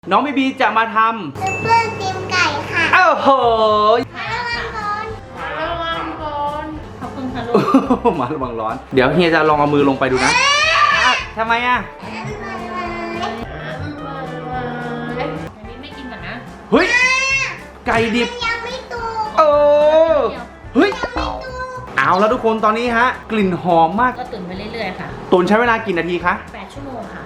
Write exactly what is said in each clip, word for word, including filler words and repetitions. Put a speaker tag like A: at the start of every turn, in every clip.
A: น้องบีบีจะมาทำ
B: ซุปเปอร์ตีมไก่ค่ะ
A: โอ้โห
B: ระวังร้อนระวังร้อนขอบคุณค่ะลูก
A: มาระวังร้อนเดี๋ยวเฮียจะลองเอามือลงไปดูนะทำไมอ่ะ
C: อันนี้ไม่กินก่อนนะ
A: เฮ้ยไก่ดิบ
B: ยังไม่ตู
A: โอ้เฮ้ยเอาแล้วทุกคนตอนนี้ฮะกลิ่นหอมมาก
C: ก็ตุ๋นไปเรื่อยๆค่ะ
A: ตุ๋นใช้เวลากี่นาทีคะ
C: แปดชั่วโมงค่ะ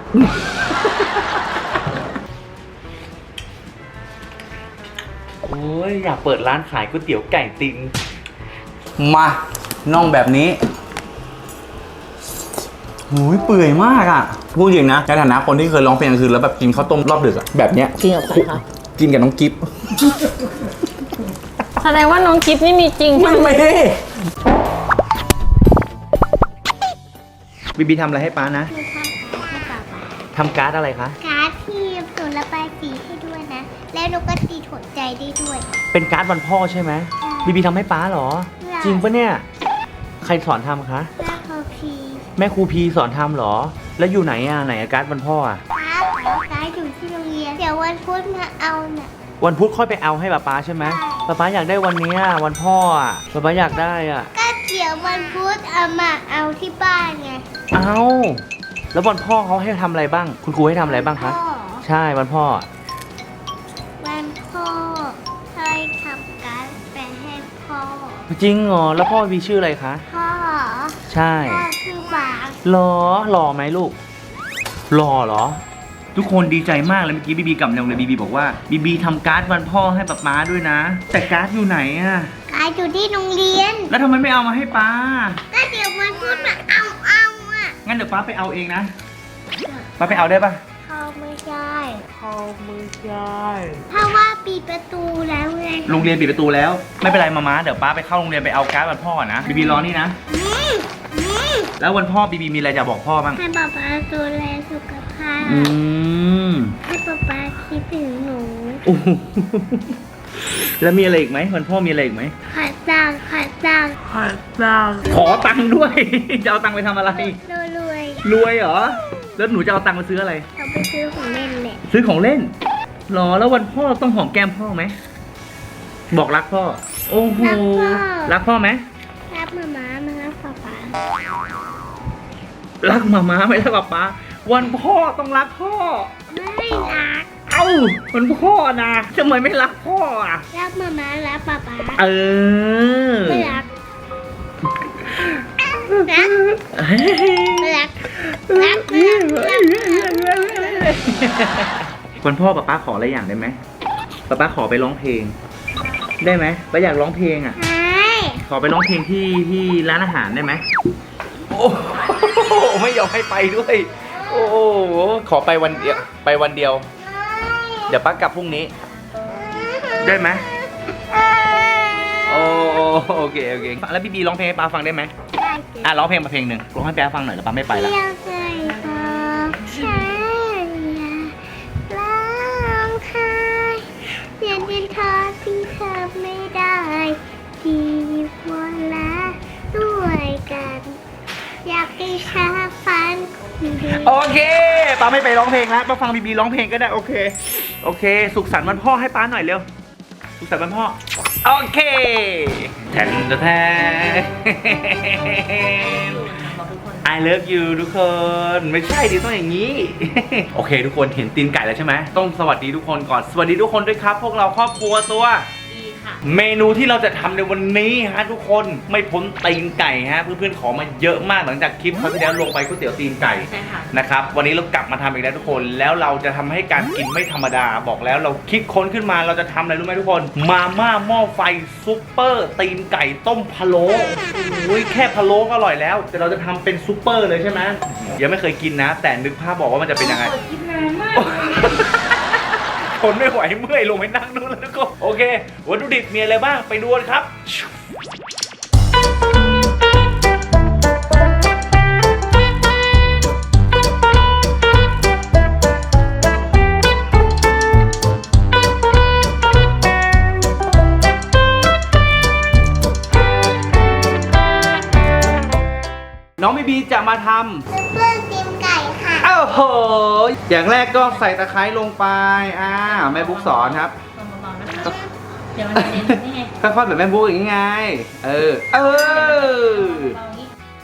A: โอ้ยอยากเปิดร้านขายก๋วยเตี๋ยวไก่ติงมาน่องแบบนี้หูยเปื่อยมากอ่ะพูดจริงนะในฐานะคนที่เคยร้องเพลงกลางคืนแล้วแบบกินข้าวต้มรอบดึกอะแบบเนี้ย
C: กินกับใครคะ
A: กินกับน้องกิฟ
C: แสดงว่าน้องกิฟนี่มีจริง
A: ไม่ไม่บีบีทำอะไรให้ป้านะทำการ์ดอะไรคะ
B: การ์ดที่หนูระบายสีให้ด้วยนะแล้วหนูก็ตีถนใจได้ด้วย
A: เป็นการ์ดวันพ่อใช่ไหมบีบีทำให้ป้าเหรอจริงปะเนี่ยใครสอนทำคะ
B: แม่ครูพี
A: แม่ครูพีสอนทำเหรอแล้วอยู่ไหนอ่ะไหนการ์ดวันพ่ออ่ะ
B: การ์ดการ์ดอยู่ที่โรงเรียนเดี๋ยววันพุธมาเอาน่ะ
A: วันพุธค่อยไปเอาให้ป้าป้าใช่ไหมป้าป้าอยากได้วันนี้วันพ่ออ่ะป้าป้าอยากได้อ่ะ
B: ก็เดี๋ยววันพุธเอามาเอาที่บ้านไง
A: เอาแล้ววันพ่อเขาให้ทำอะไรบ้างคุณครูให้ทำอะไรบ้างคะใช่วันพ่อ
B: วันพ่อให้ทำการ์ดไปให้พ่อ
A: จริงเหรอแล้วพ่อมีชื่ออะไรคะ
B: พ่อ
A: ใช่
B: พ่อชื่อบาง
A: หล่อหล่อไหมลูกหล่อเหรอทุกคนดีใจมากเลยเมื่อกี้บีบีกลับมาเลยบีบีบอกว่าบีบีทำการ์ดวันพ่อให้ป๊าป๊าด้วยนะแต่การ์ดอยู่ไหนอะ
B: การ์ดอยู่ที่โรงเรียน
A: แล้วทำไมไม่เอามาให้ป้า
B: ก็เดี๋ยววันพุธมาเอาเอาอะ
A: งั้นเดี๋ยวป้าไปเอาเองนะป้าไปเอาได้ปะ
B: เขาไม่ได้
A: เขาไม่ได้
B: เพราะว่าปิดประตูแล้วไง
A: โรงเรียนปิดประตูแล้วไม่เป็นไรมาม้าเดี๋ยวป้าไปเข้าโรงเรียนไปเอาการ์ดวันพ่อนะบีบีรอนี่นะแล้ววันพ่อบีบีมีอะไรจะบอกพ่อบ้าง
B: ให้ป๊าป๊าดูแลสุขภาพ
A: อืม
B: ให้ป๊าป๊าคิดถึงหนู
A: แล้วมีอะไรอีกไหมวันพ่อมีอะไรอีกไหม
B: ขอตังขอตัง
A: ขอตังขอตังด้วยจะเอาตังไปทำอะไร
B: รวย
A: รวยเหรอแล้วหนูจะเอาตังไปซื้ออะไร
B: เอาไปซื้อของเล่นแหละ
A: ซื้อของเล่นหรอแล้ววันพ่อต้องหอมแก้มพ่อไหมบอกรักพ่อโอ้โหรักพ่อไหม
B: รักมาม้ามารักป๊าป๊า
A: รักมาม้าไม่รักป๊าป๊าวันพ่อต้องรักพ่อ
B: ไม่รัก
A: เอ้าวันพ่อนะทำไมไม่รักพ่ออ่ะ
B: รักมาม้ารักป๊าป๊า
A: เออ
B: ไม่รักรักรักรัก
A: วันพ่อป๊าป๊าขออะไรอย่างได้ไหมป๊าป๊าขอไปร้องเพลงได้ไหมป๊าอยากร้องเพลงอ่ะขอไปร้องเพลงที่ที่ร้านอาหารได้ไหมโอ้ไม่ยอมให้ไปด้วยโอ้ขอไปวันเดียวไปวันเดียวเดี๋ยวป๊ากลับพรุ่งนี้ได้ไหมโอ้โอเคโอเคแล้วบีบีร้องเพลงให้ป๊าฟังได้ไหมอ่ะร้องเพลงมาเพลงหนึ่งร้องให้ป๊าฟังหน่อยแล้วป๊าไม่ไปแล้ว
B: เรียนเป็นทอที่เธอไม่ได้ที่วันละด้วยกันอยากให้ชาฟัน
A: โอเคป๊าไม่ไปร้องเพลงแล้วป๊าฟังบีบีร้องเพลงก็ได้โอเคโอเคสุขสันต์วันพ่อให้ป๊าหน่อยเร็วสุขสันต์วันพ่อโอเคแทนแทน I love you ทุกคนไม่ใช่ดิต้องอย่างนี้ โอเคทุกคนเห็นตีนไก่แล้วใช่ไหมต้องสวัสดีทุกคนก่อนสวัสดีทุกคนด้วยครับพวกเราครอบครัวตัวเมนูที่เราจะทำในวันนี้ฮะทุกคนไม่พ้นตีนไก่ฮะเพื่อนๆขอมาเยอะมากหลังจากคลิปเขาที่แล้วลงไปก๋วยเตี๋ยวตีนไก่นะครับวันนี้เรากลับมาทำอีกแล้วทุกคนแล้วเราจะทำให้การกินไม่ธรรมดาบอกแล้วเราคิดค้นขึ้นมาเราจะทำอะไรรู้ไหมทุกคนมาม่าหม้อไฟซุปเปอร์ตีนไก่ต้มพะโล้อุ้ยแค่พะโล้ก็อร่อยแล้วแต่เราจะทำเป็นซุปเปอร์เลยใช่ไหมยังไม่เคยกินนะแต่นึกภาพบอกว่ามันจะเป็นยังไงทนไม่ไหวเมื่อยลงไปนั่งนู่นแล้วทุกคนโอเควัตถุดิบมีอะไรบ้างไปดูกันครับน้องบีบีจะมาทำ
B: ซุปเปอร์ตีมไก่ค่ะ
A: โอ้โหโหอย่างแรกก็ใส่ตะไคร้ลงไปอ่าแม่บุ๊กสอนครับ
C: เบาๆนะคะเดี๋ยวมันจะเน้นนี่ไง
A: ค่อยๆแบบแม่บุ๊กอย่างงี้ไงเออเออ
C: เบาๆอย่างนี้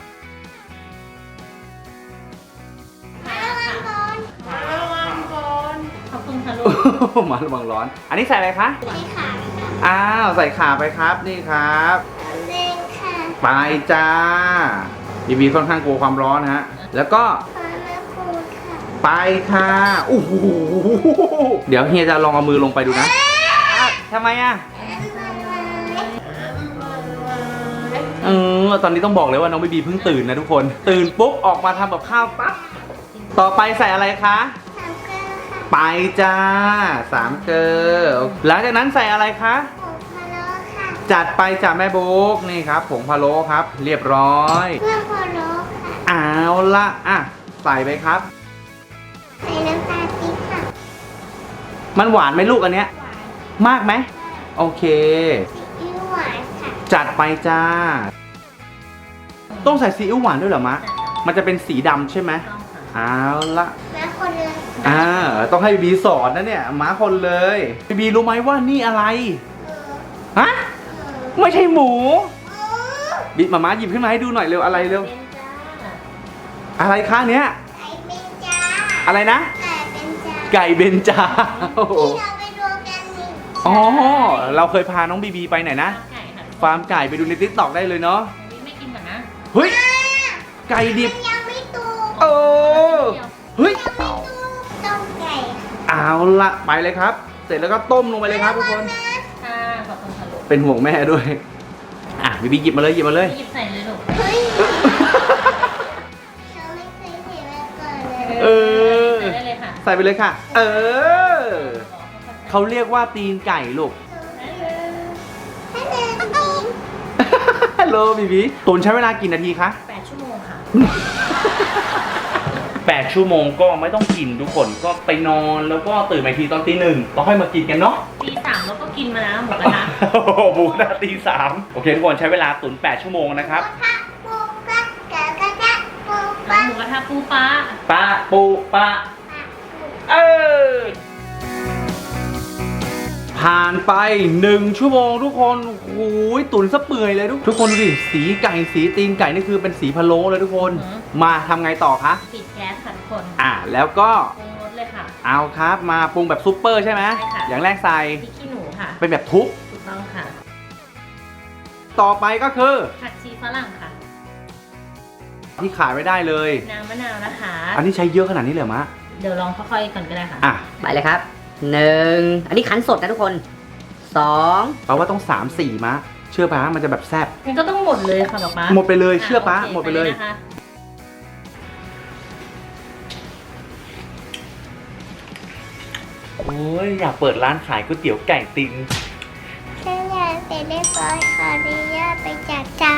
B: ระวังก่อน
C: ขอบคุณค่ะลูก
A: มาระวังร้อน อันนี้ใส่อะไรคะ
B: นี่ค่ะ
A: อ้าวใส่ข่าไปครับนี่ครับ
B: เล่นค่ะ
A: ไปจ้าบีบีค่อนข้างกลัวความร้อนฮะแล้วก็
B: พาแม่พูดค่ะ
A: ไปค่ะโอ้โหเดี๋ยวเฮียจะลองเอามือลงไปดูนะอ่ะทำไมอ่ะเออตอนนี้ต้องบอกเลยว่าน้องบีบีเพิ่งตื่นนะทุกคน ตื่นปุ๊บออกมาทำกับข้าวปั๊บต่อไปใส่อะไรคะ
B: สามเกลือค่ะ
A: ไปจ้าสามเกลือหลังจากนั้นใส่อะไรคะ
B: ผงพะโล้ค่ะ
A: จัดไปจ้าแม่บุ๊กนี่ครับผงพะโล้ครับ เรียบร้อย
B: เครื่องพะโล้ค่ะ
A: เอาละอ่ะใส่ไปครับ
B: ใส่น้ำตาลปี๊บค่ะ
A: มันหวานไหมลูกอันเนี้ย
B: หวาน
A: มากไหมโอเค
B: ซีอิ๊วหวานค่ะ
A: จัดไปจ้า ต้องใส่ซีอิ๊วหวานด้วยเหรอมะ มันจะเป็นสีดำใช่ไหม
C: ต้องค่ะ
A: เอาละ
B: แม่คนเลย
A: อ่าต้องให้บีบีสอนนะเนี่ยม้าคนเลยบีบีรู้ไหมว่านี่อะไร
B: เออ
A: ฮะ
B: เออ
A: ไม่ใช่หมู
B: เออ
A: บีมาม้าหยิบขึ้นมาให้ดูหน่อยเร็วอะไรเร็ว
C: เป็นจ้า
A: อะไรคะเนี้ย
B: ไก่เป็นจ้า
A: อะไรนะ
B: ไก่เป็นจ้า
A: ไก่เบนจาโอ้โห
B: ที่เราไปดูกันนี่
A: อ๋อเราเคยพาน้องบีบีไปไหนนะ
C: ไก่ค่ะ
A: ฟาร์มไก่ไปดูในติ๊กต็อกได้เลยเนาะ
C: อันนี้ไม่กินก่อนนะ
A: เฮ้ยไก่ดิบ
B: มันยังไม่ตู
A: โอ้เฮ้ย
B: ยังไม่ตูต้มไก่
A: เอาละไปเลยครับ เสร็จแล้วก็ต้มลงไปเลยครับทุกคน
C: ค่ะขอบคุณค่ะลูก
A: เป็นห่วงแม่ด้วย อ่ะบีบีหยิบมาเลยหยิบมาเลย
C: หยิบใส่เลยลูก
B: เฮ้ยเราไม่เคยเห็นมาก่อนเลย
A: เออ
C: ใส่ได้เลยค่ะ
A: ใส่ไปเลยค่ะ เออ เขาเรียกว่าตีนไก่ลูก
B: ให้เดินกิน
A: ฮัลโหลบีบีตุนใช้เวลากี่นาทีคะ
C: แปดชั่วโมงค่ะ
A: แปดชั่วโมงก็ไม่ต้องกินทุกคนก็ไปนอนแล้วก็ตื่นมาอีกทีตอนตีหนึ่งต้องให้มากินกันเนาะ
C: ตีสามแล้วก็กินมาแล้วหมดกระทะ
A: โอ้โหบูนาตีสามโอเคทุกคนใช้เวลาตุนแปดชั่วโมงนะครับ
B: กะปูปะกะกะกะปู
C: ร้า
B: ปะ
C: นหมูกระทะปูปลา
A: ปะปูปะ
B: ปะปู
A: เออผ่านไปหนึ่งชั่วโมงทุกคนโอ้โหตุ๋นซะเปื่อยเลยทุกทุกคนดูดิสีไก่สีตีนไก่นี่คือเป็นสีพะโล้เลยทุกคน มาทำไงต่อคะ
C: ปิดแก๊สค่ะทุกคน
A: อ่าแล้วก็
C: ปรุงรสเลยค่ะ
A: เอาครับมาปรุงแบบซุปเปอร์ใช่ไหม
C: ใช่ค่ะ
A: อย่างแรกใส่
C: พริกขี้หนูค่ะ
A: เป็นแบบทุบ
C: ถูกต้องค่ะ
A: ต่อไปก็คือ
C: ผักชีฝรั่งค่ะ
A: ที่ขายไม่ได้เลย
C: น้ำมะนาวนะคะ
A: อันนี้ใช้เยอะขนาดนี้เลยเหรอมะ
C: เดี๋ยวลองค่อยๆก่อนก็ได้ค่ะ
A: อ่ะ
D: ไปเลยครับหนึ่งอันนี้คั้นสดนะทุกคนสอง
A: แปลว่าต้องสามสี่มะเชื่อปะมันจะแบบแซ่บ
C: มันก็ต้องหมดเลยค่ะป๊าป๊า
A: หมดไปเลยเชื่อปะ
C: โค
A: หมดไปเลย
C: นะคะ
A: โอ้ยอยากเปิดร้านขายก๋วยเตี๋ยวไก่ติน
B: ฉันอยากเสร็จเรียบร้อยขออนุญาตไปจัดจาน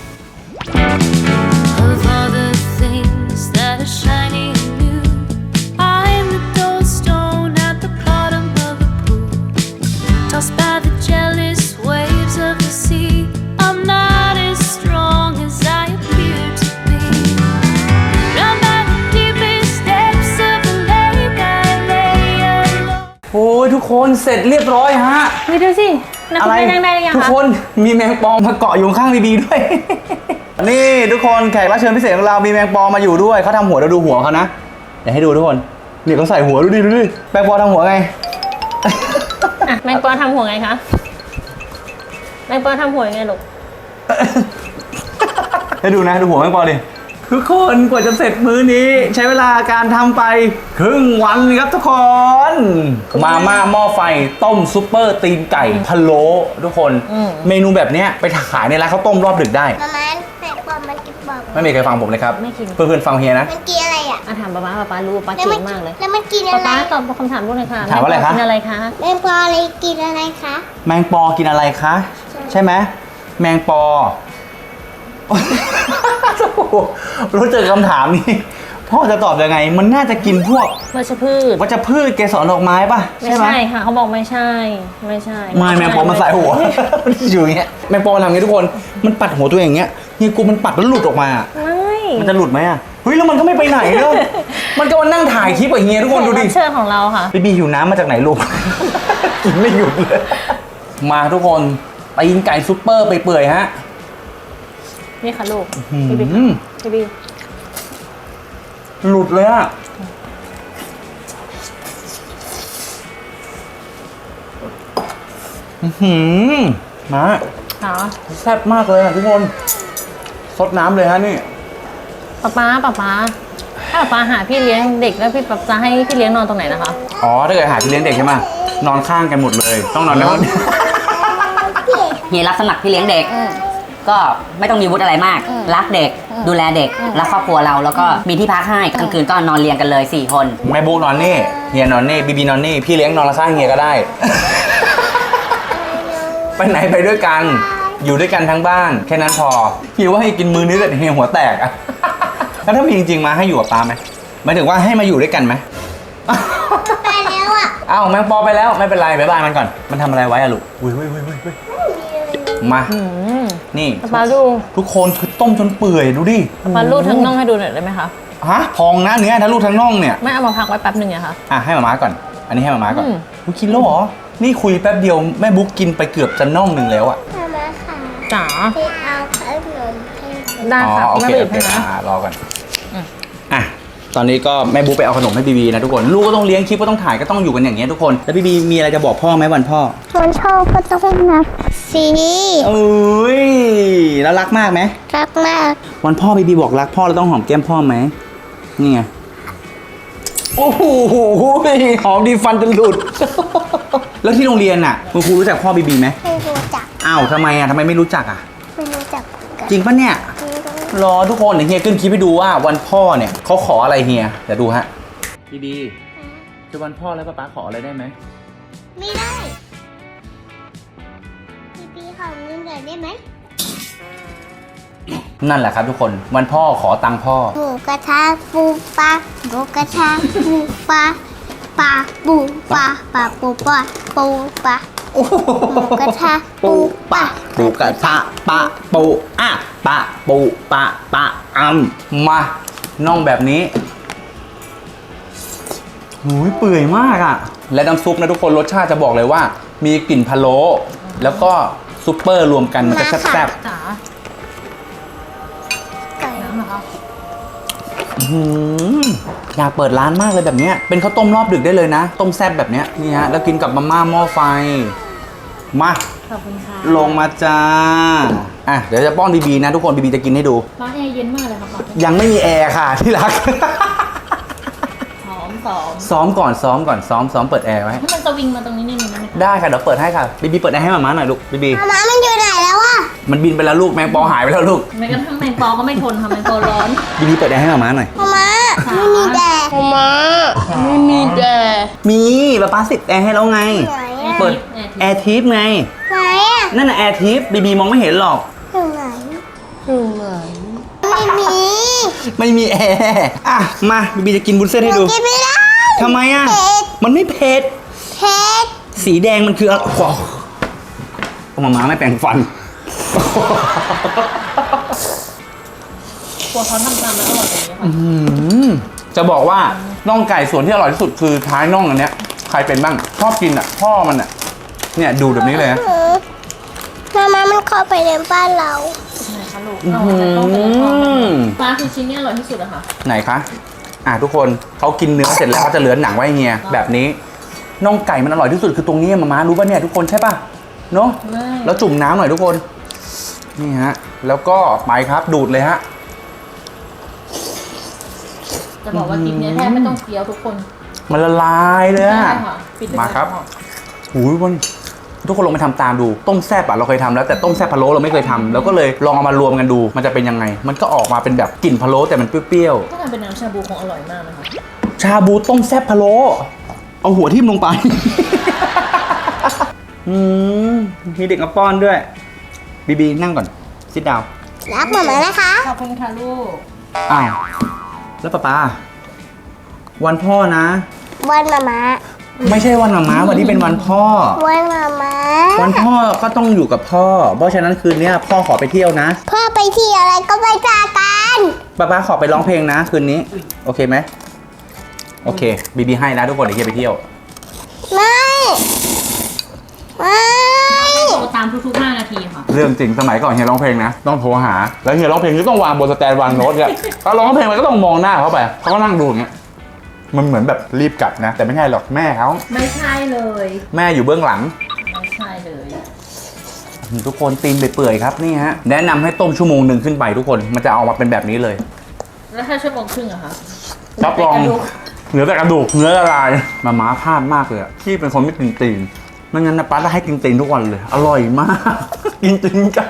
E: Of all the things that are shiny and new, I'm a dull stone at the bottom of a pool, tossed by the jealous waves of the sea. I'm not as strong as I appear to be. Round by the deepest depths of the lake, I lay alone.
A: โอ้ยทุกคนเสร็จเรียบร้อยฮะ
C: นี่ดูสินักคุณไปนั่งได้หรือยัง
A: ทุก
C: คะ
A: คนมีแมงปองมาเกาะอยู่ข้างบีบีด้วย นี่ทุกคนแขกรับเชิญพิเศษของเรามีแมงปองมาอยู่ด้วยเขาทำหัวเราดูหัวเขานะเดี๋ยวให้ดูทุกคนเนี่ยเขาใส่หัวดูดิดูดิแมงปองทำหัวไง
C: อ่ะแมงปอทำหัวไงคะแมงปอทำหัวยังไงลูก
A: ให้ดูนะดูหัวแมงปองดิทุกคนกว่าจะเสร็จมื้อนี้ ใช้เวลาการทำไปครึ่งวันครับทุกคนมาม่าหม้อไฟต้มซุปเปอร์ตีนไก่พะโล้ทุกคน
C: อืม
A: เมนูแบบเนี้ยไปขายในร้านข้าวต้มรอบดึกได้
B: ประมาณแปดปอมมันกินบอก
A: ไม่มีใครฟังผมเลยครับ
C: ไม่กิน
A: เพื่อนๆฟังเฮียนะ
B: มันกินอะไรอ่ะ
C: อ่ะถามป๊าป๊าป๊าป๊ารู้ป๊า
B: แล้ว
C: เก่
B: มั
C: งมากเลย
B: แล้วมันกิน
C: ป๊า
B: อะไร
C: ป๊าตอบคำถามลูกเลยค่ะ
A: ถามว่าอะไรคะ
C: แงปกินอะไรคะ
B: แมงปออะไรกินอะไรคะ
A: แมงปอกินอะไรคะ ใช่ไหมแมงปอ รู้เจอคำถามนี้พ่อจะตอบยังไง มันน่าจะกินพวก
C: วัชพืช
A: วัชพืชเกสรดอกไม้ป่ะ
C: ไม่
A: ใช่ไหม
C: ใช่ค่ะเขาบอกไม่ใช่ ไม่ใช่
A: ไม่แมงปอมันใส่หัว อยู่อย่างเงี้ยแมงปอมันทำอย่างงี้ทุกคนมันปัดหัวตัวเองอย่างเงี้ยนี่กูมันปัดแล้วหลุดออกมา
C: ไม่
A: มันจะหลุดไหมอ่ะเฮ้ยแล้วมันก็ไม่ไปไหนเนอะมันก็มานั่งถ่ายคลิปกับเฮียทุกคนดูดิ
C: แขกรับเชิญของเราค่ะ
A: บีบีหิวน้ำมาจากไหนลูก กินไม่หยุดเลย มาทุกคนตีนไก่ซุปเปอร์ไปเปื่อยๆฮะ
C: นี่ค่ะลูก
A: อืม
C: พี่บิ๊กพี่บิ๊ก
A: หลุดเลยอะอื้อหือมา
C: ค่ะ
A: แซ่บมากเลยอะทุกคนซดน้ำเลยฮะนี่
C: ป๊าป๊าป๊าป๊าถ้าป๊าป๊าหาพี่เลี้ยงเด็กแล้วพี่ป๊าจะให้พี่เลี้ยงนอนตรงไหนนะคะ
A: อ๋อถ้าเกิดหาพี่เลี้ยงเด็กใช่ไหมนอนข้างกันหมดเลย ต้องนอนในห้อง
D: เฮียรับสมัครพี่เลี้ยงเด็ก ก็ไม่ต้องมีวุฒิอะไรมาก รักเด็ก ดูแลเด็ก รักครอบครัวเรา แล้วก็มีที่พักให้กลางคืนก็นอนเรียงกันเลยสี่คน
A: แม่บุ๊กนอนนี่เฮียนอนนี่บีบีนอนนี่พี่เลี้ยงนอนข้างเฮียก็ได้ ไปไหนไปด้วยกัน อยู่ด้วยกันทั้งบ้านแค่นั้นพอพี่ว่าให้กินมื้อนี้แต่เฮียหัวแตกอะ แล้วถ้ามีจริงๆมาให้อยู่กับป้าไหมหมายถึงว่าให้มาอยู่ด้วยกันไหม
B: ไปแล้วอ่ะ
A: อ้าวแมงปอไปแล้วไม่เป็นไรบ๊ายบายมันก่อนมันทำอะไรไว้อะลูกอุ้ยอุ้ยอุ้ยอุ้ยมา
C: อืม
A: นี่
C: ป๊าป๊าดู
A: ทุกคนคือต้มจนเปื่อยดูดิ
C: ป๊าป๊าลูดทั้งน่องให้ดูหน่อยได้ไหมคะ
A: ฮะพองนะเนื้อทั้งลูกทั้งน่องเนี่ย
C: ไม่เอามาพักไว้แป๊บหนึ่งอะคะ
A: อ่ะให้หมาม้าก่อน อันนี้ให้หมาม้าก่อน
C: อืม
A: อุ๊ยกินแล้วเหรอนี่คุยแป๊บเดียวแม่บุ๊กกินไปเกือบจะน่องหนึ่งแล้วอะ
B: มามาค่ะ
C: จ๋า
B: พี่เอาขนมให้
C: ได้
A: อ๋อ
C: ค่ะ
A: โอ
C: แม่
A: เค
C: ไปหยิ
A: โอบ เค
C: ให้นะ
A: อ่ารอก่อน
C: อืม
A: อ่ะตอนนี้ก็แม่บุ๊กไปเอาขนมให้บีบีนะทุกคนลูกก็ต้องเลี้ยงคลิปก็ต้องถ่ายก็ต้องอยู่กันอย่างเงี้ยทุกคนแล้วบีบีมีอะไรจะบอกพ่อไหมวันพ่อ
B: คนชอบก็ต้องนับสิ
A: เอ้ยแล้วรักมากไหม
B: รักมาก
A: วันพ่อบีบีบอกรักพ่อแล้วต้องหอมแก้มพ่อไหมนี่ไงโอ้โหหอมดีฟันจนหลุด แล้วที่โรงเรียนน่ะคุณครูรู้จักพ่อบีบีไหม
B: ไม่รู้จัก
A: อ้าวทำไมอ่ะทำไมไม่รู้จักอ่ะ
B: ไม่รู้จักกัน
A: จริงปะเนี่ย
B: ไม่รู้
A: รอทุกคนเดี๋ยวเฮียขึ้นคลิปให้ดูว่าวันพ่อเนี่ยเขาขออะไรเฮียเดี๋ยวดูฮะบีบีจะวันพ่อแล้วป้าป๊าขออะไรได้ไหม
B: ไม่ได้พี่พี่ขอเงินหน่อยได้ไหม
A: นั่นแหละครับทุกคนวันพ่อขอตังค์พ่อ
B: หมูกระทะปูปลาหมูกระทะปูปลาปลาปูปลาปลาปูปลาปูปลาหมูกระทะปูปลา
A: ปูกระทะปะปูอ่ะปะปูปะปะอัมมาน่องแบบนี้หูยเปื่อยมากอ่ะและน้ำซุปนะทุกคนรสชาติจะบอกเลยว่า มีกลิ่นพะโล้แล้วก็ซุปเปอร์รวมกันมันจะแซ่บ
C: จ๋า
B: ไก่
C: น้ำเหรอคะ
A: ๆอื้อหืออยากเปิดร้านมากเลยแบบเนี้ยเป็นข้าวต้มรอบดึกได้เลยนะ ต้มแซ่บแบบเนี้ยนี่ฮะแล้วกินกับมาม่าหม้อไฟมา
C: ขอบคุณค่ะ
A: ลงมาจ้าอ่ะเดี๋ยวจะป้อนบีบีนะทุกคนบีบีจะกินให้ดู
C: ร้านแอร์เย็นมากเลยค่ะป๊า
A: ยังไม่มีแอร์ค่ะที่รัก
C: หอมสอง
A: ซ้อมก่อนซ้อมก่อนซ้อมซ้อมเปิดแอร์ไว้
C: ให้มันสวิงมาตรงนี้นิดนึงได้ไหมคะ
A: ได้ค่ะเดี๋ยวเปิดให้ค่ะบีบีเปิดแอร์ให้หมาม้าหน่อยลูกบีบี
B: มาม่ามันอยู่ไหนแล้วอะ
A: มันบินไปแล้วลูกแมงปอหายไปแล้วลูก
C: แม้กระทั่งแมงปอก็ไม่ทนค่ะแมงปอร้อน
A: บีบีเปิดแอร์ให้หมาม้าหน่อย
B: มาม่าไม่มีแดด
C: ไม่มีแดด
A: มีป้าป้าสิบแอร์ให้แล้วไง
B: ไหนอะ
A: เปิดแอร์ทิปไง
B: ไหนอะ
A: นั่นน่ะแอร์ทิปบีบีมองไม่เห็นหรอก
B: อยู่ไหนอยู่ไหนไม่มี
A: ไม่มีแอร์อ่ะมาบีบีจะกินบุญเส้นให้ดู
B: กินไม่ได้
A: ทำไมอ่ะ
B: เผ็ด
A: มันไม่เผ็ด
B: เผ็ด
A: สีแดงมันคืออะไรโอ้โหหมาม้าไม่แปรงฟัน
C: กลัวเขาทำตามแล้วอร่อยอย่างนี้ค่ะ
A: อืมจะบอกว่าน่องไก่ส่วนที่อร่อยที่สุดคือท้ายน่องอันเนี้ยใครเป็นบ้างชอบกินอ่ะพ่อมันอ่ะเนี่ยดูแบบนี้เลยนะ
B: หือมาม่ามันเข้าไปในบ้านเรา
C: ไหนคะลูกเอาแต่ต้องเป็นทอดมันปลาคือชิ้นนี้อร่อยที่สุดอะค่ะ
A: ไหนคะอ่ะทุกคนเขากินเนื้อเสร็จแล้วเขาจะเหลือหนังไว้เฮียแบบนี้น่องไก่มันอร่อยที่สุดคือตรงนี้มาม่ารู้ป่ะเนี่ยทุกคนใช่ป่ะเนาะ
C: ไม่
A: แล้วจุ่มน้ำหน่อยทุกคนนี่ฮะแล้วก็ไปครับดูดเลยฮะ
C: จะบอกว่าคลิปเนี้ยแทบไม่ต้องเคี้ยวทุกคน
A: มันละลายเลยอะ
C: ได้ค่ะปิดเลย
A: มาครับ
C: ะ
A: หูยวันทุกคนลองไปทำตามดูต้มแซ่บอะเราเคยทำแล้วแต่ต้มแซ่บพะโล้เราไม่เคยทำเราก็เลยลองเอามารวมกันดู มันจะเป็นยังไง มันก็ออกมาเป็นแบบกลิ่นพะโล้แต่มันเปรี้ยว
C: ถ้าทำเป็นน้ำชาบูคงอร่อยมากนะคะ
A: ๆชาบูต้มแซ่บพะโล้เอาหัวทิ่มลงไป อืมมีเด็กมาป้อนด้วยบีบีนั่งก่อนซิดดาว
B: รักหมาม่านะคะ
C: ขอบคุณค่ะลูก
A: อ้าวแล้วป้าป้าวันพ่อนะ
B: วันมาม่า
A: ไม่ใช่วันหมาม้าวันนี้เป็นวันพ่อ
B: วันมาม่า
A: วันพ่อก็ต้องอยู่กับพ่อ เพราะฉะนั้นคืนนี้พ่อขอไปเที่ยวนะ
B: พ่อไปที่อะไรก็ไปจากกัน
A: ป๊าป๊าขอไปร้องเพลงนะคืนนี้ โอเคไหมโอเคบีบีให้นะทุกคนเดี๋ยวเฮียไปเที่ยว
B: ไม่ไม่
C: โทรตามทุกๆห้านาทีค่ะ
A: เรื่องจริงสมัยก่อนเฮียร้องเพลงนะต้องโทรหาแล้วเฮียร้องเพลงก็ต้องวางบนสแตนวางโน้ตเนี่ยถ้าร้องเพลงมันก็ต้องมองหน้าเขาไปเขาก็นั่งดูอย่างเงี้ยมันเหมือนแบบรีบกลับนะ แต่ไม่ใช่หรอกแม่เขา
C: ไม่ใช่เลย
A: แม่อยู่เบื้องหลัง
C: ไม่ใช่เลย
A: ทุกคนตีนไปเปื่อยๆครับนี่ฮะแนะนำให้ต้มชั่วโมงหนึ่งขึ้นไปทุกคนมันจะออกมาเป็นแบบนี้เลย
C: แล้วถ้าชั่วโมงครึ่งอะคะ
A: รับรองเหลือแต่กระดูกเนื้อละลายมาม้าพลาดมากเลยอะที่เป็นคนไม่กินตีนไม่งั้นนะป้าจะให้กินตีนทุกวันเลย อร่อยมาก กินตีนไก่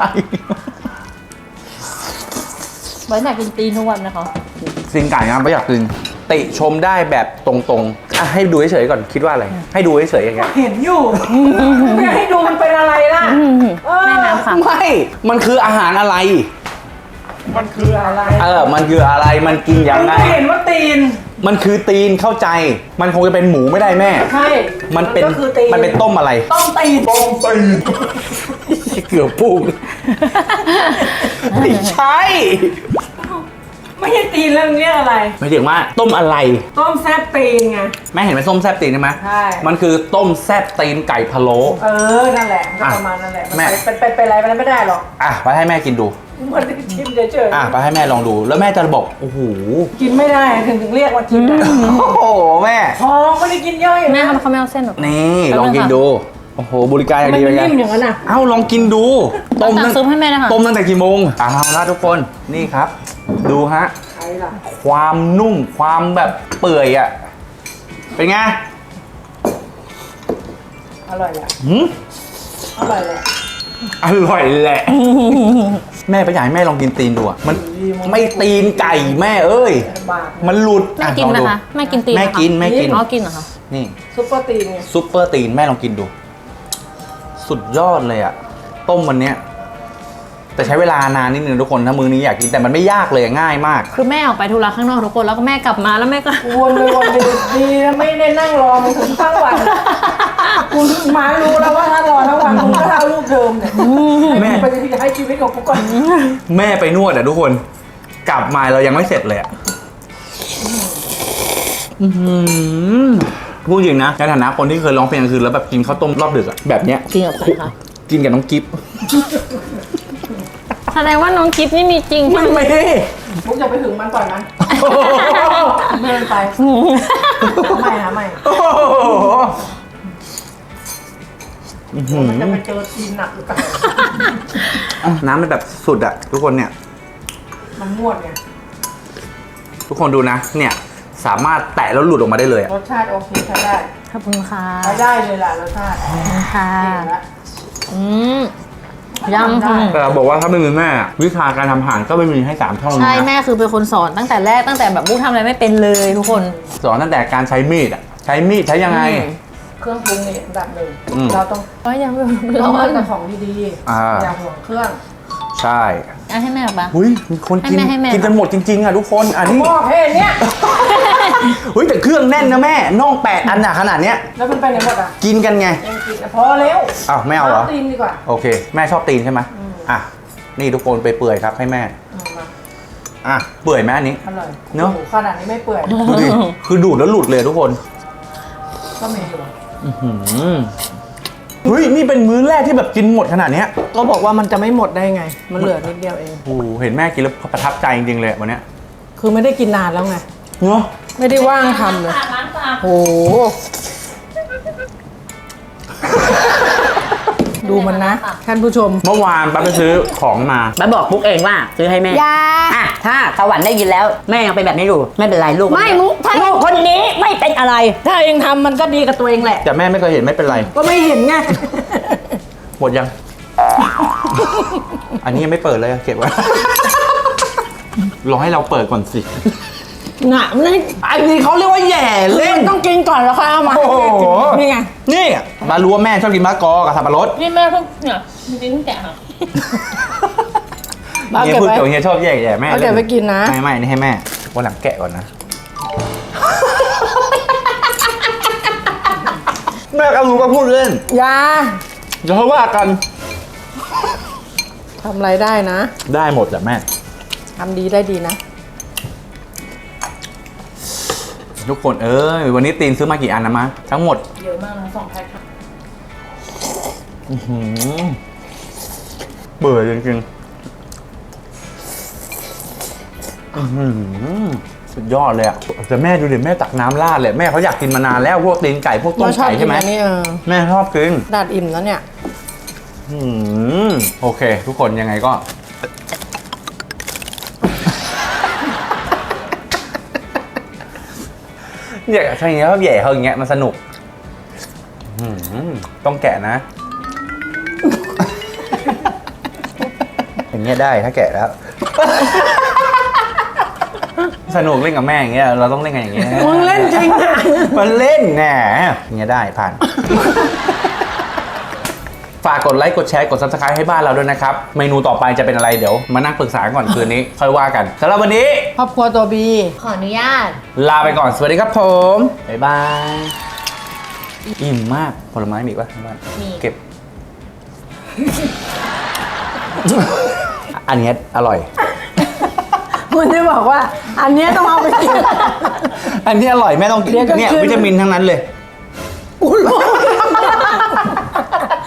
C: ไว้ไหนกินตีนทุกวันนะคะ
A: ตีนไก่นะไม่อยากกินติชมได้แบบตรงๆอ่ะให้ดูเฉยๆก่อนคิดว่าอะไรให้ดูเฉยๆอย่างเงี้ย
F: เห็นอยู่ ไม่ให้ดูมันเป็นอะไรล่ะ
C: แม่น้ำค่ะ
A: ไม่มันคืออาหารอะไร
F: มันคืออะไร
A: เออมันคืออะไรมันกินยังไง
F: ไม่เห็นว่าตีน
A: มันคือตีนเข้าใจ มันคงจะเป็นหมูไม่ได้แม่
F: ใช่
A: มันเป็น
F: ก็คือตีน
A: มันเป็นต้มอะไร
F: ต้มตีน
A: ต้มตีนเกือบพูดไม่ใช่
F: ไม่ใช่ตีนแล้วมันเรียกอะไร
A: ไม่ถึงว่าต้มอะไร
F: ต้มแซ่บตีนไง
A: แม่เห็นไหมส้มแซบตีนใช่ไหม
F: ใช่
A: มันคือต้มแซบตีนไก่พะโล้
F: เออ นั่นแหละก็ประมาณนั่นแหละ
A: แม่
F: มันเป็นเป็นเป็นอะไรมันไม่ได้หรอก
A: อ่ะไปให้แม่กินดู
F: มันชิมเฉย
A: อ่ะไปให้แม่ลองดู แล้วแม่จะบอกโอ้โห
F: ๆกินไม่ได้ถึงถึงเรียกว่ากินได้
A: โอ้โหแม่
F: ท้องไม่ได้กินย่อย
C: แม่
F: นะ
C: เขาไม่เอาเส้นหรอก
A: นี่ลองกินดู โอ้โหบริการอย่าง
F: มัน
A: ดี
F: ไม่
A: เลย
F: นิ่มอย่างนั้นน่ะ
A: เอ้าลองกินดูต้ม
C: ตัก
A: ตั้ง
C: ซุปให้แม่นะคะ
A: ต้มตั้งแต่กี่โมงเอาละทุกคนนี่ครับ ดูฮะ
F: ใช่ล่ะ
A: ความนุ่มความแบบเปื่อยอ่ะ เป็นไง
F: อร่อยแหละ
A: หืม
F: อร่อยแหละ
A: อร่อยแหละ แม่ไปอยากให้แม่ลองกินตีนดูอ่ะมันไม่ตีนไก่แม่เอ้ย
F: บาป
A: มันหลุด
C: แม่กินไหม
A: อ่ลองดู
C: คะแม่กินตีนไห
A: แม่
C: คะ
A: กินแม่กิน
C: อ๋อกินเหรอคะ
A: นี่
F: ซุปเปอร์ตีนไง
A: ซุปเปอร์ตีนแม่ลองกินดู สุดยอดเลยอ่ะ ต้มวันเนี้ย แต่ใช้เวลานานนิดนึงทุกคนถ้ามือนี้อยากกินแต่มันไม่ยากเลยง่ายมาก
C: คือแม่ออกไปธุระข้างนอกทุกคนแล้วก็แม่กลับมาแล้วแม่ก็
F: วนไปวนไปดีนะไม่ได้นั่งรอมันถึงทั้งวันคุณมารู้แล้วว่าถ้ารอทั้งวันมึงก็เท่าลูกเดิมเนี่ย
A: แม่
F: ไปจะให้ชีวิตของกูก่อน
A: แม่ไปนวดอ่ะทุกคน กลับมาเรายังไม่เสร็จเลยอ่ะอื้อหือพูดจริงนะในฐานะคนที่เคยร้องเพลงกลางคืนแล้วแบบกินข้าวต้มรอบดึกอ่ะแบบเนี้ย
C: จริงกับใครคะ
A: กินกับน้องกิฟ
C: แสดงว่าน้องกิฟนี่มีจริงใช่
A: ไม่
C: ไหม
A: ไม่
F: มุกจะไปถึงมันปล่อยมันเดินไปไม่หาไม่
A: โอ้โหอื้อหือ
F: มันจะไปเจอทีมหนักหรือเปล่า
A: อ่ะน้ำมันแบบสุดอ่ะทุกคนเนี่ย
F: มันงวดไง
A: ทุกคนดูนะ เนี่ย สามารถแตะแล้วหลุดออกมาได้เลยอะ
F: รสชาติโอเคใช้ได้
C: ขอบคุณค่ะ
F: ใช้ได้เลยล่ะรสชาติ
C: ขอบคุณค่ะ
F: เก่งละ
C: อืมยำค่ะ
A: แต่เราบอกว่าถ้าไม่มีแม่อะวิชาการทำอาหารก็ไม่มีให้สามช่องนี้
C: ใช่
A: นะ
C: แม่คือเป็นคนสอนตั้งแต่แรกตั้งแต่แบบบุ๊กทำอะไรไม่เป็นเลยทุกคน
A: สอนตั้งแต่การใช้มีดอ่ะ ใช้มีดใช้ยังไง
C: อืม
F: เครื่องปรุงนี่อันดับหนึ่ง
A: อืม
F: เราต้อง
C: โอ้ยยังไม่
F: ต้
C: ร้
F: อง
C: อ
F: เลื
C: น
F: อกแต่ของดี
A: อ่า
F: ๆอย่าห่วงเครื่อง
A: ใช่
C: อ่ะให้แม่หรอปะ
A: หุยมีคนกิน
C: ให้แม่ให้แม่
A: กินกันหมดจริงๆอ่ะทุกคนอันนี้
F: หม้อเพศเนี้ย
A: หุยแต่เครื่องแน่นนะแม่น่องแปดอันอะขนาดเนี้ย
F: แล้วมันไปไหนหมดอ่ะ
A: กินกันไง
F: ยังกินอ่ะพอแล้ว
A: อ้าวไม่เอาเหรอ
F: ตีนดีกว่า
A: โอเค แม่ชอบตีนใช่ไหมอ่ะนี่ทุกคนไปเปื่อยครับให้แม่
F: เอามา
A: อ่ะเปื่อยไหมอันนี้
F: อร่อย
A: เนอะ
F: โอ้โหขนาดนี้ไม่เปื่อย
A: ดูดิคือดูดแล้วหลุดเลยทุกคน
F: ก็มีอยู่
A: อื้อหือเฮ้ยนี่เป็นมื้อแรกที่แบบกินหมดขนาดเนี้ย
F: ก็บอกว่ามันจะไม่หมดได้ไง มันเหลือนิดเดียวเอง
A: โอ้โหเห็นแม่กินแล้วประทับใจจริงๆเลยวันเนี้ย
F: คือไม่ได้กินนานแล้วไง
A: เนาะ
F: ไม่ได้ว่างทำเลย
C: ร้านปลา
F: โอ้โหดูมันนะ ท่านผู้ชม
A: เมื่อวานป้าไปซื้อของมา
D: ป้าบอกปุ๊กเองว่าซื้อให้แม่
B: ยา
D: อ่ะถ้าสวรรค์ได้ยินแล้วแม่ยังเป็นแบบนี้อยู่ไม่เป็นไรลูก
B: ไม่มุกถ้า
D: ลูกคนนี้ไม่เป็นอะไร
F: ถ้าเองทำมันก็ดีกับตัวเองแหละ
A: แต่แม่ไม่เคยเห็นไม่เป็นไร
F: ก็ไม่เห็นไง
A: หมดยัง อันนี้ยังไม่เปิดเลยอะเก็บไว้ รอให้เราเปิดก่อนสิ
F: หงะมัน
A: อันนี้เขาเรียกว่าแหย่เล่น
F: ต้องกินก่อนแล้วค่อยเอามา
A: โอ้โห
F: นี่ไง
A: นี่มารู้ว่าแม่ชอบกินมะละกอกับสับปะรด
C: นี่แม่เพิ่งเนี่ยจริงๆแกะค่ะ
F: เอา
A: เฮีย
F: เก็บ
A: พูด
F: ไว้
A: เกี่ยวเฮียชอบแย่แย่แม่
F: เอาเก็บไว้กินนะ
A: ไม่ไม่อันนี่ให้แม่วันหลังแกะก่อนนะ แม่ก็รู้ก็พูดเล่น
F: ยา
A: เดี๋ยวเขาว่ากัน
F: ทำอะไรได้นะ
A: ได้หมดแหละแม่
F: ทำดีได้ดีนะ
A: ทุกคนเอ้ยวันนี้ตีนซื้อมากี่อันนะมะทั้งหมด
F: เยอะมากนะสองแพ็คค่ะ
A: อื้อหือเบื่อจริงๆอื้อหือสุดยอดเลยอ่ะแต่แม่ดูดิแม่ตักน้ำราดเลยแม่เขาอยากกินมานานแล้วพวกตีนไก่พวกต้ม
F: เราชอบ
A: ไก่
F: กิ
A: ใช่
F: น
A: ไหม
F: อันนี้เออ
A: แม่ชอบกิน
F: ดาดอิ่มแล้วเนี่ย
A: อืมโอเค ทุกคนยังไงก็ เนี่ยใช่อย่างเงี้ยเขาแย่เขาอย่างเงี้ยมันสนุกอืมต้องแกะนะ อย่างเงี้ยได้ถ้าแกะแล้ว สนุกเล่นกับแม่อย่างเงี้ยเราต้องเล่นกันอย่างเงี้ย
F: มึงเล่นจริงอ่ะ
A: มันเล่นแน่อย่างเงี้ยได้ผ่าน ฝากกดไลค์กดแชร์กด ซับสไครบ์ ให้บ้านเราด้วยนะครับ เมนูต่อไปจะเป็นอะไรเดี๋ยวมานั่งปรึกษาก่อนคืนนี้ ค่อยว่ากันสำหรับวันนี้
F: ครอบครัวตัวบี
C: ขออนุญาต
A: ลาไปก่อนสวัสดีครับผม บ๊ายบาย อิ่มมากผลไม้มีอีกปะที่บ้าน
C: มี
A: เก็บ อันเนี้ยอร่อย
F: คุณได้บอกว่า อันเนี้ยต้องเอาไปกิน
A: อันที่อร่อยแม่ต้องกิน
F: เดี๋ยวก็
A: เนี่ย
F: ขึ้น
A: วิตามินทั้งนั้นเลย
F: กูรู้